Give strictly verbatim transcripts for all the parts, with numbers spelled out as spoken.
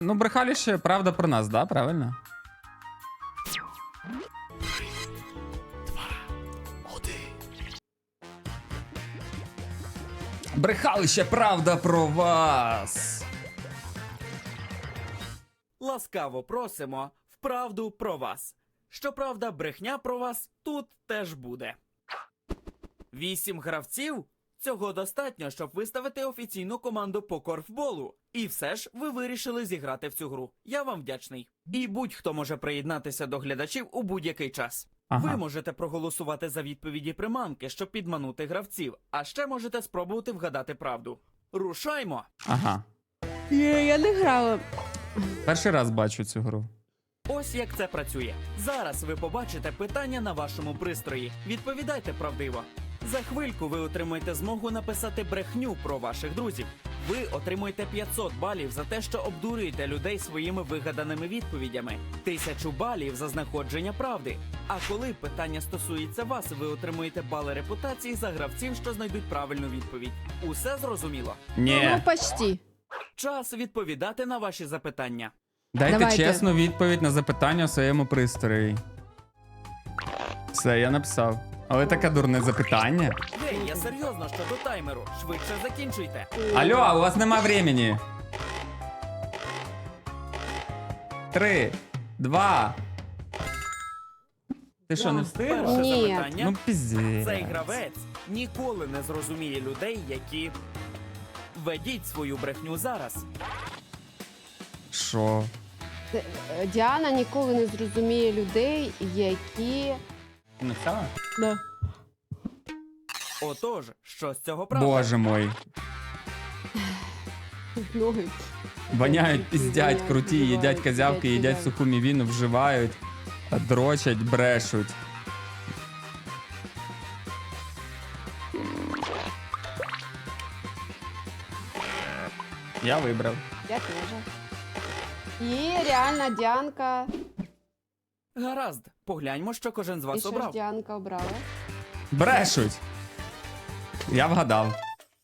Ну, брехали ще правда про нас, да? Правильно? Брехали ще правда про вас. Ласкаво просимо в правду про вас. Щоправда, брехня про вас тут теж буде. Вісім гравців? Цього достатньо, щоб виставити офіційну команду по корфболу. І все ж ви вирішили зіграти в цю гру. Я вам вдячний. І будь-хто може приєднатися до глядачів у будь-який час. Ага. Ви можете проголосувати за відповіді приманки, щоб підманути гравців, а ще можете спробувати вгадати правду. Рушаймо! Ага. Є, я не грала. Перший раз бачу цю гру. Ось як це працює. Зараз ви побачите питання на вашому пристрої. Відповідайте правдиво. За хвильку ви отримаєте змогу написати брехню про ваших друзів. Ви отримуєте п'ятсот балів за те, що обдурюєте людей своїми вигаданими відповідями. Тисячу балів за знаходження правди. А коли питання стосується вас, ви отримуєте бали репутації за гравців, що знайдуть правильну відповідь. Усе зрозуміло? Ні. Ну, почти. Час відповідати на ваші запитання. Дайте Давайте. чесну відповідь на запитання у своєму пристрої. Все, я написав. Але таке дурне запитання. Гей, я серйозно щодо таймеру. Швидше закінчуйте. Алло, а у вас нема времени. Три, два. Ти що, не встиг? Перше Ні. запитання. Ну, піздець. Цей гравець ніколи не зрозуміє людей, які... Ведіть свою брехню зараз. Що? Е, е, Діана ніколи не зрозуміє людей, які. Ти написала? Да. Отож, що з цього правда? Боже мой. Ноги. Воняють, піздять, Воняють, круті, вбивають, їдять козявки, їдять їдять козявки. суху мівіну, вживають, дрочать, брешуть. Я вибрав. Я теж. І реально Діанка. Гаразд, погляньмо, що кожен з І вас що ж обрав. Діанка обрала? Брешуть. Я вгадав.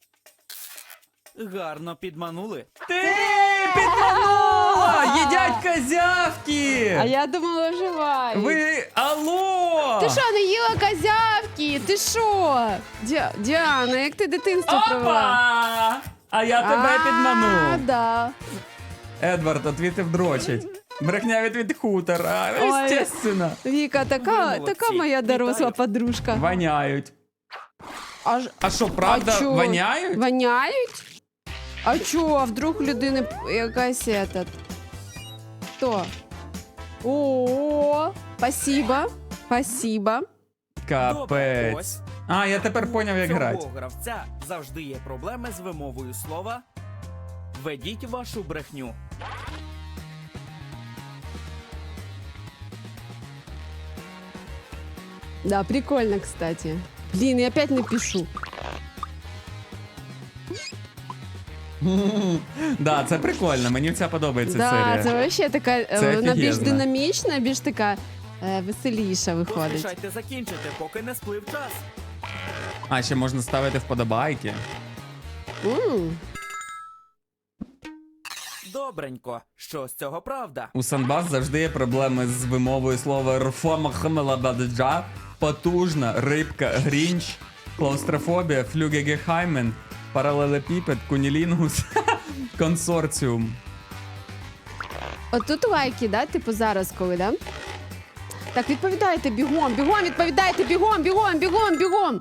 Гарно підманули. Ти підманула! Їдять козявки! А я думала, вживають. Ви, алло! Ти що, не їла козявки? Ти що? Дя... Діана, як ти дитинство провела? Опа! А я тебе А, підманув. да. Едвард, отвітив дрочить. Брехня від від хутора. Ой. Естественно. Віка, Ви така, молодці. така моя доросла Вітаю. подружка. Воняють. А, ж- А що, правда, а чо? воняють? Воняють? А чо, а вдруг людини п- якась этот... Хто? О, спасибо, спасибо. Добре, Капець. ось. А, я тепер поняв, як Цього грати. гравця завжди є проблеми з вимовою слова. Ведіть вашу брехню. Да, прикольно, кстати. Блин, я опять напишу. Да, це прикольно, мені ця подобається Да, серія. це вообще така, е, Це вона більш офігезно. динамічна, більш така е, веселіша виходить. Поспішайте закінчити, поки не сплив час. А, ще можна ставити вподобайки. М, Добренько, що з цього правда? У Санбас завжди є проблеми з вимовою слова рфомахмелабаджа, потужна, рибка, грінч, клаустрофобія, флюгегехаймен, паралелепіпед, кунілінгус, консорціум. От тут лайки, да? Типу зараз коли, да? Так, відповідайте бігом, бігом, відповідайте бігом, бігом, бігом, бігом.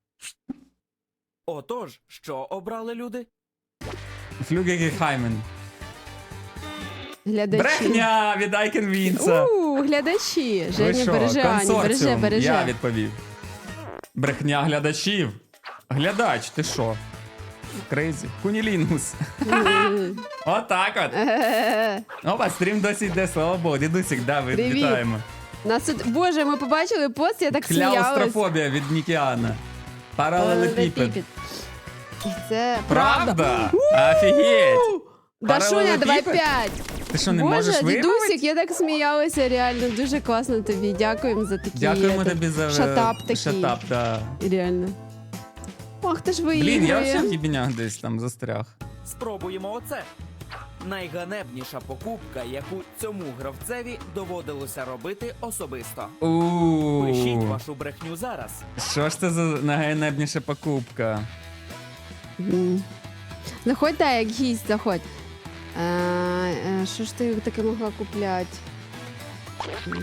Отож, що обрали люди? Флюгегехаймен. Глядачі. Брехня від Айкен Вінса. У, глядачі. Ви Женя що, береже, Ані, береже, консорціум? береже. Я відповів. Брехня глядачів. Глядач, ти що? Крейзі. Кунілінгус. М. Отак от. Е-е-е. Опа, стрім досі йде, слава Богу. Дідусик, да, ви Привіт. вітаємо. Нас тут, боже, ми побачили пост, я так сміялась. Кляустрофобія від Нікіана. Паралелепіпед. Це Правда? Офігеть. Дашуня, давай Паралелепіпед? п'ять. Ти що, не Боже, можеш дідусик, вимовити? я так сміялася, реально. Дуже класно тобі. Дякуємо за такі. Дякуємо е, тобі за шатап такий. шатап, да. Реально. Ох, ти ж виігрує. Блін, я взагалі в їбінях десь там застряг. Спробуємо оце. Найганебніша покупка, яку цьому гравцеві доводилося робити особисто. Пишіть У вашу брехню зараз. Що ж це за найганебніша покупка? М. Заходь, дай, як гість, заходь. Е, е, Що ж ти таке могла купляти? М.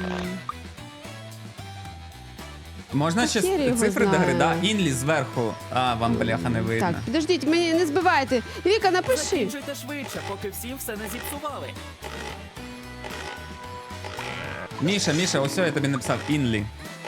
Можна Та ще хер його цифри до гри, да? знає. Інлі зверху. А, вам бляха не видно. Так, підождіть, мені не збивайте. Віка, напиши. Закінчуйте швидше, поки всі все не зіпсували. Міша, Міша, ось я тобі написав Інлі.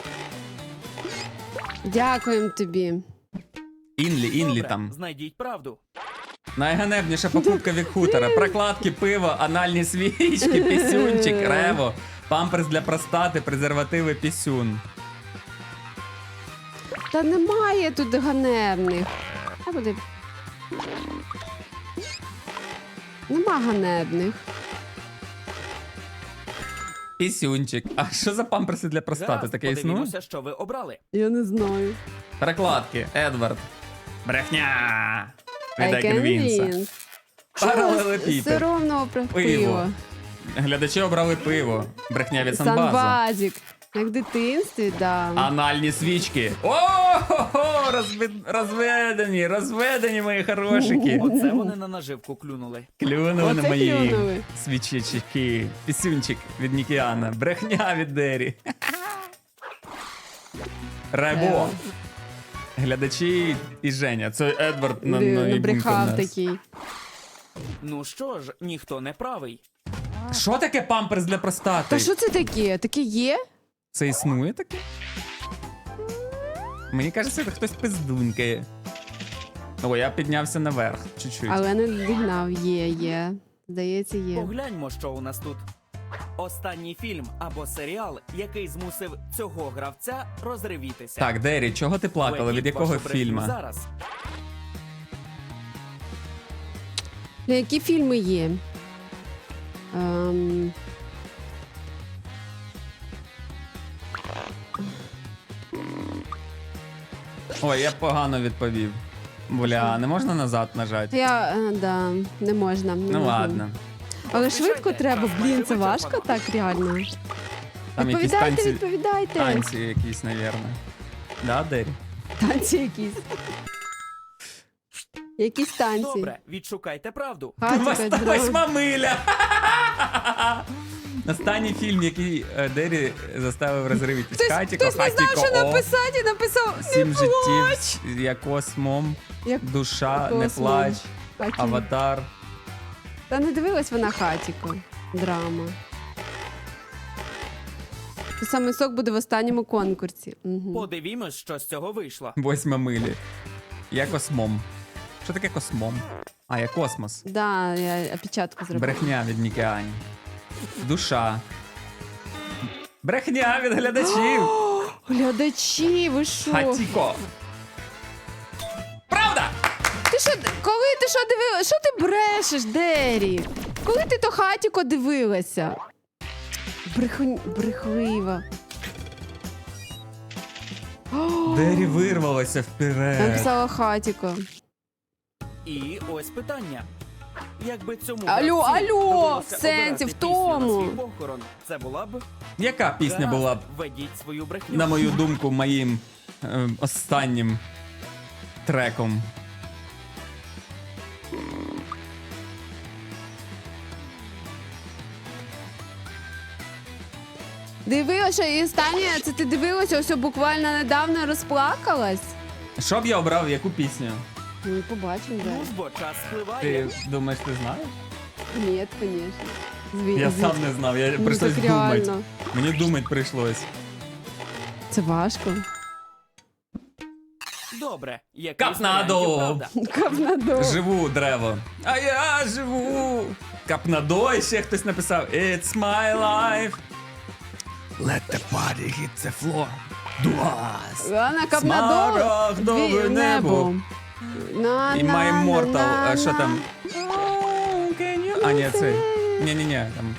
Дякуємо тобі. Інлі, Інлі Добре, там. знайдіть правду. Найганебніша покупка від хутора. Прокладки, пиво, анальні свічки, пісюнчик, рево, памперс для простати, презервативи, пісюн. Та немає тут ганебних. А буде. Нема ганебних. Пісюнчик. А що за памперси для простати? Гаразд, Таке існує? подивімося, що ви обрали. Я не знаю. Перекладки. Едвард. Брехня. Від I can Айкенвінса. win. Паралелепіпед. Все ровно про Пиво. пиво. Глядачі обрали пиво. Брехня від Санбаза. Санбазік. Як в дитинстві, да. Анальні свічки. О-хо-хо! Розви- Розведені, розведені мої хорошики. Оце вони на наживку клюнули. Клюнули на Оце мої клюнули. свічечки. Пісюнчик від Нікіана. Брехня від Дері. Рево. Глядачі і Женя. Це Едвард на, Не, на не їбуньку брехав нас. такий. Ну що ж, ніхто не правий. Що таке памперс для простати? Та що це таке? Таке є? Це існує таке? Мені кажеться, це хтось пиздунькає. О, я піднявся наверх чуть-чуть. Але не дігнав. Є, є. Здається, є. Погляньмо, що у нас тут. Останній фільм або серіал, який змусив цього гравця розривітися. Так, Дері, чого ти плакала? Введіть Від якого вашу брехню фільму? Зараз. Бля, які фільми є? Ем... Ой, я погано відповів. Бля, не можна назад нажати? Я, е, да, не можна. Не Ну можна. ладно. Але швидко треба, блін, це важко так реально. Там якісь Відповідайте, танці, відповідайте. танці якісь, навірно. Да, Дері? Танці якісь. Якісь танці. Добре, відшукайте правду. Хатіка, Вось- дрова. Восьма миля! Останній фільм, який е, Дері заставив розривитись. Хтось, Хатіко, хтось не знав, Хатіко, що О, написати, і написав Сім не плач. життів, я космом, Як душа, не Космом. плач, Хатіко. аватар. Та не дивилась вона Хатіко. Драма. Той самий сок буде в останньому конкурсі. Угу. Подивімось, що з цього вийшло. Восьма милі. Я космом. Що таке космом? А, я космос. Да, я опечатку зробила. Брехня від Нікіані. Душа. Брехня від глядачів. Глядачі, ви що? Хатіко. Правда! Ти що, коли ти що дивилася? Що ти брешеш, Дері? Коли ти то Хатіко дивилася? Брехун... Брехлива. Дері вирвалася вперед. Написала Хатіко. І ось питання. Якби цьому Алло, гравцю алло, довелося в сенсі, обирати в пісню на тому. свій похорон, це була б... Яка пісня Гаразд, була б, Введіть свою брехню. на мою думку, моїм е, останнім треком? Дивилася, і останнє, це ти дивилася, ось буквально недавно розплакалась? Що б я обрав, яку пісню? Ну, побачимо, Ну да. ж бо час спливає. Ти думаєш, ти знаєш? Ні, звісно. Зві... Я зві- сам не знав, я Ну, прийшлось так думати. реально. Мені думати прийшлось. Це важко. Добре, який з Капнадо! варіантів правда? Капнадо. Живу древо. А я живу. Капнадо, і ще хтось написав It's my life. Let the party hit the floor. Дуас. Лана Капнадо. Смарагдове Дві- небо. На, І на, My на, Immortal. на, А що на. там? А, ні, цей. Ні-ні-ні, там.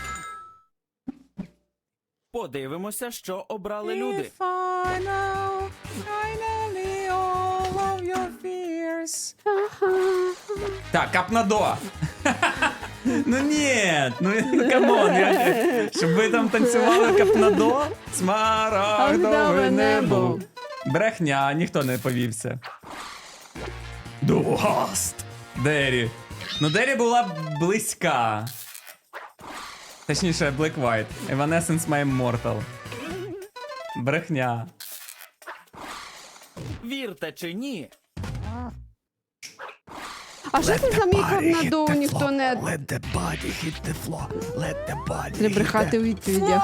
Подивимося, що обрали люди. If I know finally all of your fears. Так, Капнадо. Ну ні, ну ну, камон, я, щоб ви там танцювали капнадо, смарагдове небо. Брехня, ніхто не повівся. Дугаст. Дері. Ну Дері була близька. Точніше, Black White. Evanescence My Immortal. Брехня. Вірте чи ні, А що це за мій капнадо? Ніхто не... Let the body hit the floor. Let the body Треба брехати у відповідях.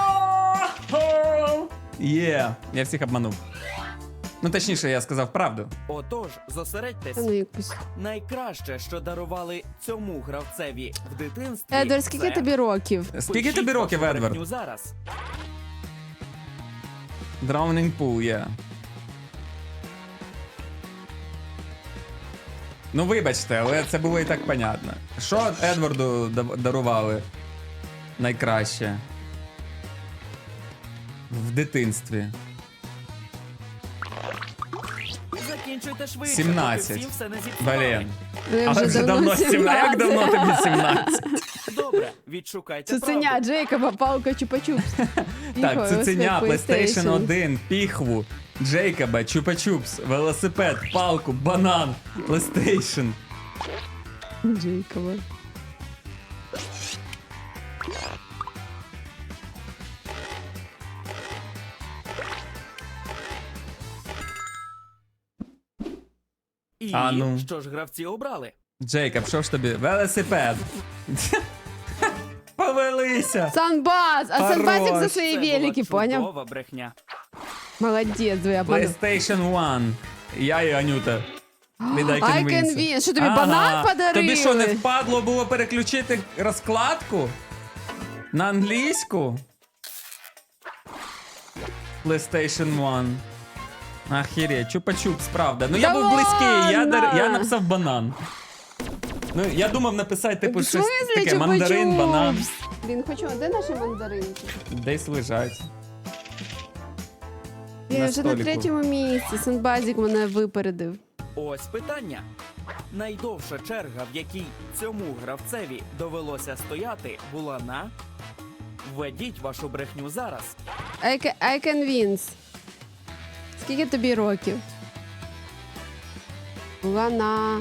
Є, я всіх обманув. Ну, точніше, я сказав правду. отож, зосередьтесь. Та ну якусь. Найкраще, що дарували цьому гравцеві в дитинстві. Едвард, скільки це... тобі років? Скільки Пишіть тобі років, вашу Едвард? брехню зараз. Drowning Pool, є. Ну, вибачте, але це було і так понятно. Що Едварду да- дарували найкраще? В дитинстві. Закінчуйте швидше, сімнадцять. поки всім все не зіпсували. Блін. Ну, я Але вже давно сімнадцять. Як давно тобі сімнадцять? Добре, відшукайте Цуценя, правду. Джейкоба, палка, чупа-чупс. Так, цуценя, PlayStation один, піхву, Джейкоба, Чупа-Чупс, велосипед, палку, банан, PlayStation. Джейкоба. І А ну. що ж гравці обрали? Джейкоб, що ж тобі? Велосипед. Повелися. Санбаз! А Хорош. Санбазик за свої Це була велики, поняв? чудова брехня. Молодець, ви обманув. PlayStation один. Я і Анюта. Від I I Can can Win. win. Що, тобі банан подарили? Тобі що, не впадло було переключити розкладку? На англійську? PlayStation один. Ахереть, чупа-чупс, правда. Ну я Да був близький, я, дар... ладно? я написав банан. Ну, я думав написати, типу, В щось смислі таке, мандарин, чупа-чупс? банан. Блін, хочу, а де наші мандаринки? Десь лежать. Я На вже на столику. третьому місці. Санбазик мене випередив. Ось питання. Найдовша черга, в якій цьому гравцеві довелося стояти, була на... Введіть вашу брехню зараз. I can, I can win. Скільки тобі років? Була на...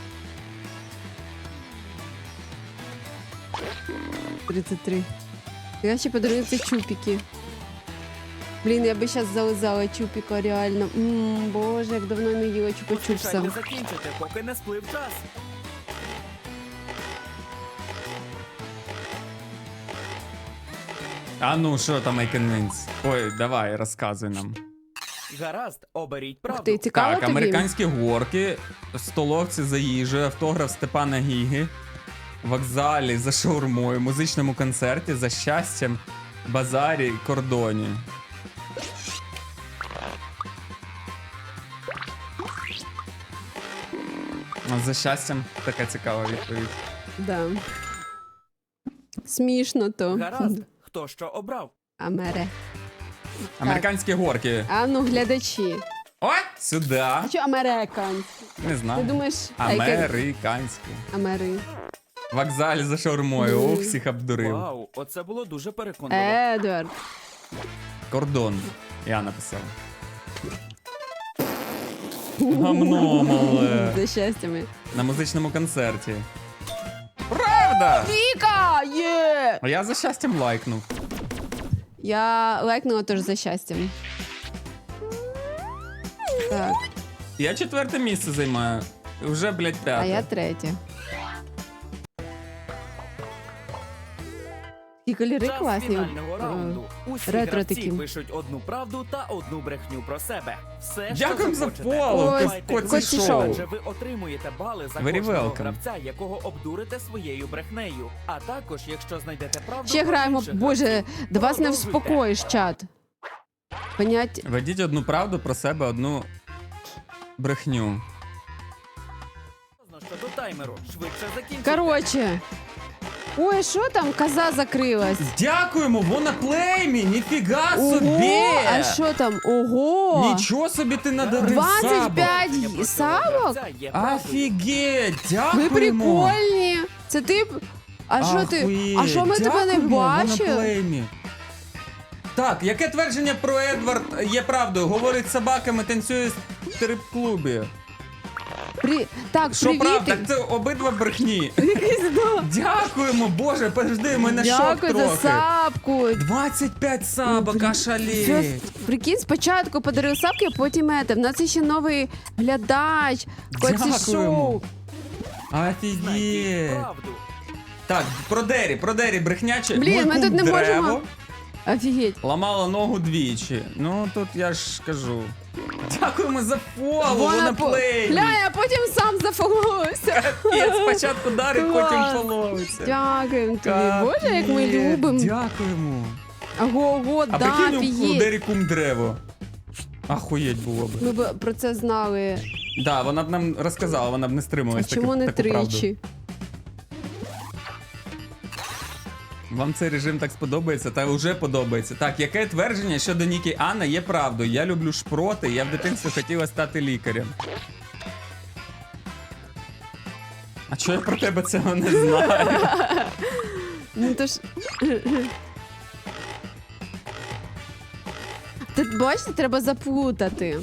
тридцять три. Я ще подарую це чупіки. Блін, я би зараз зализала чупіка, реально. Ммм, боже, як давно не їла чупа-чупса. Поспішайте закінчити, поки не сплив час. А ну, що там I Can Win? Ой, давай, розказуй нам. Гаразд, оберіть правду. Ух ти, цікаво Так, тобі? американські горки, столовці за їжею, автограф Степана Гіги, вокзалі за шаурмою, музичному концерті, за щастям, базарі, кордоні. А за щастям така цікава відповідь. Да. Смішно то. Гаразд, хто що обрав? Амере. Американські горки. А ну, глядачі. Ой, сюди. А що американські? Не Ти знаю. думаєш, I can... Американські. Амери. Вокзалі за шаурмою. Ох, всіх обдурив. Вау, оце було дуже переконливо. Едвард. Кордон. Я написав. Гамно мале. За щастями. На музичному концерті. Правда! Віка! Є! А я за щастям лайкнув. Я лайкнула теж за щастям. Так, Я четверте місце займаю. Вже, блядь, а п'яте. я третя. Ті кольори Час класні. фінального раунду. Усі ретро гравці такі. пишуть одну правду та одну брехню про себе. Все, Дякуємо що за захочете. фоллоу, Ось, Давайте Коці Коці друзі, Шоу. адже ви отримуєте бали за Very кожного welcome. гравця, якого обдурите своєю брехнею. А також, якщо знайдете правду, Ще про граємо. інших Боже, гравців, до вас не продовжуйте. вспокоїш, чат. Понять. Ведіть одну правду про себе, одну брехню. Щодо таймеру, швидше закінчуйте. Короче. Ой, що там? Коза закрилась. Дякуємо, вона плеймі, ніфіга Ого, собі! а що там? Ого! Нічого собі ти надарив двадцять сабок. п'ять Про цього савок? гравця є правдою. Офігеть, Ви дякуємо. прикольні. Це ти... б- А що ти? Ахуєть. А що ми тебе не Дякуємо, бачили? Моноплеймі. Так, яке твердження про Едвард є правдою? Говорить з собаками, танцює в стрип-клубі. При... Так, Що привіт. правда? Так це обидва брехні. Якийсь, да. Дякуємо, боже, подожди, ми на шок Дякую за трохи. сапку. двадцять п'ять сабок, Це, ошалеть. прикинь, спочатку подарив сапки, а потім ете. В нас є ще новий глядач. Коці Дякуємо. шоу. Знайдіть Офігеть. правду. Так, про Дері, про Дері брехняче. Блін, Мой ми кум тут не Древо можемо. Офігеть. ламала ногу двічі. Ну, тут я ж кажу. Дякуємо за фоло, Вона вона по- плей. Глянь, а потім сам зафоловився. Я спочатку дарить, потім Клас. фоловиться. Дякуємо тобі. Боже, як ми Капець, любимо. Дякуємо. Ого, А да, прикинь, у офігеть. Дері кум Древо. Ахуєть було б. Ми б про це знали. Да, вона б нам розказала, вона б не А стрималась. таки- чому не таку правду. тричі? Вам цей режим так сподобається, та вже подобається. Так, яке твердження щодо Нікі Анна є правдою? Я люблю шпроти, я в дитинстві хотіла стати лікарем. А чого я про тебе цього не знаю? Ну то ж. Тут бачите, треба заплутати.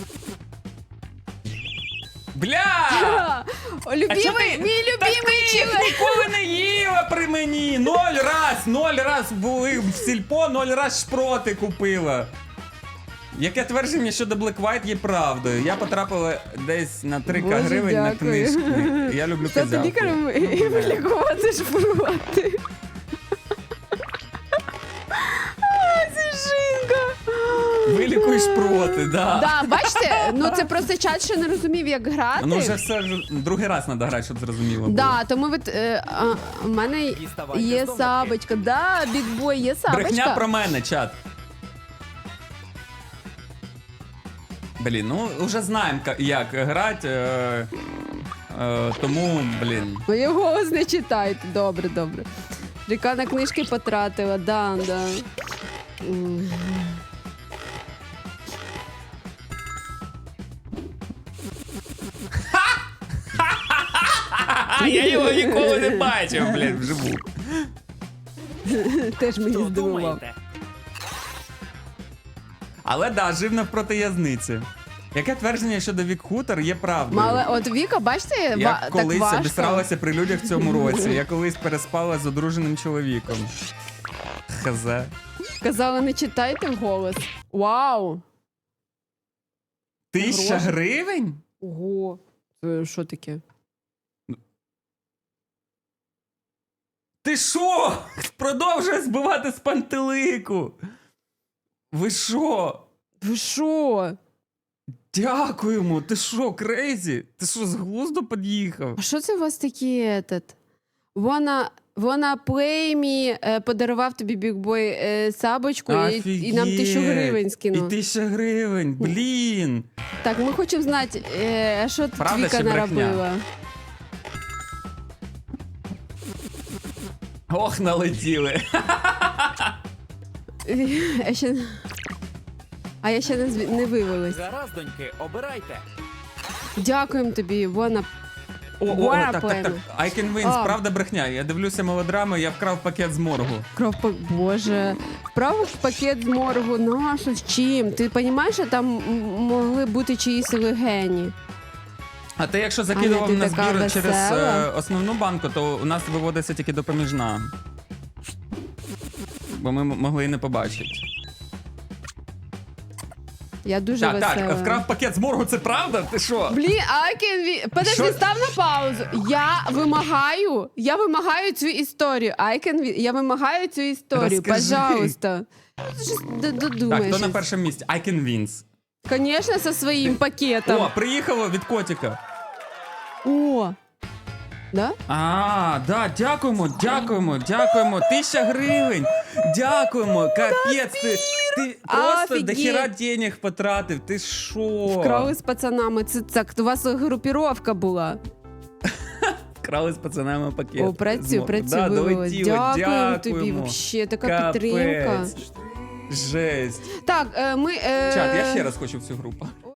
Бля! О, А чо любимий, ти- мій Та любимий ти чоловік. ніколи не їла при мені! Ноль раз! Ноль раз були в сільпо, ноль раз шпроти купила. Яке твердження щодо Black White є правдою? Я потрапила десь на три Боже, гривень на дякую. книжки. Я люблю Стати козявку. лікарем і вилікувати шпроти. А, це жінка. Вилікуй шпроти, да. Да, бачите, ну це просто чат ще не розумів, як грати. Ну вже все ж другий раз треба грати, щоб зрозуміло було. Да, тому от, е, а, у мене Діставайте є з домики. сабочка. Да, бігбой, є сабочка. Брехня про мене, чат. Блін, ну вже знаємо, ка- як грати, е, е, тому, блін. Моє голос не читайте. Добре, добре. Ріка на книжки потратила, да, да. М. А, я його ніколи не бачив, блін, вживу. Теж мені Хто здивував. думаєте? Але да, жив навпроти язниці. Яке твердження щодо Вік Хутор є правдою? Мали, от Віка, бачите, ва- Я так колись важко. обісралася при людях в цьому році. Я колись переспала з одруженим чоловіком. Хз. Казали, не читайте вголос. Вау! Тисяча Гроші. гривень? Ого. Це що таке? Ти що? Продовжує збивати з пантелику. Ви що? Ви що? Дякуємо. Ти що, крейзі? Ти що, з глузду під'їхав? А що це у вас такі этот? Вона, вона плеймі е, подарував тобі бігбой е, сабочку і, і нам тисячу гривень І скинув. тисяча гривень, блін. Так, ми хочемо знати, е, а що тут Правда Віка чи брехня? наробила? Ох, налетіли. Я ще... А я ще не, зві- не вивелась. Гаразд, доньки, обирайте. Дякуємо тобі, вона. О, о, о, Буара так, так, так. плейми. I can win, А. правда брехня. Я дивлюся мелодрами, я вкрав пакет з моргу. Кров па- Боже. Вправив пакет з моргу. Нащо з чим? Ти розумієш, що там м- могли бути чиїсь легені? А ти якщо Аня, закидував ти на така збір через весела. е, основну банку, то у нас виводиться тільки допоміжна. Бо ми м- могли і не побачити. Я дуже Так, весела. так, вкрав пакет з моргу, це правда? Ти що? Блін, I can win. Подожди, Що? став на паузу. Я вимагаю, я вимагаю цю історію. I can win. Я вимагаю цю історію. Розкажи. Пожалуйста. Ти ж д- Так, додумаєш. хто на першому місці? I can win. Конечно, со своїм пакетом. О, приїхало від котика. О. Да? А, да, дякуємо, дякуємо, дякуємо. Тисяча гривень. Дякуємо. Капець, ти, ти просто Офігеть. дохіра денег потратив. Ти що? Вкрали з пацанами. Це так, у вас групіровка була. Вкрали з пацанами пакет. О, працюй, Змо- працюй, Да, вивелось. долетіло, Дякуємо тобі. дякуємо. Вообще, така Капець. підтримка. Жесть. Так, е, ми. Е... Чат, я ще раз хочу в цю групу.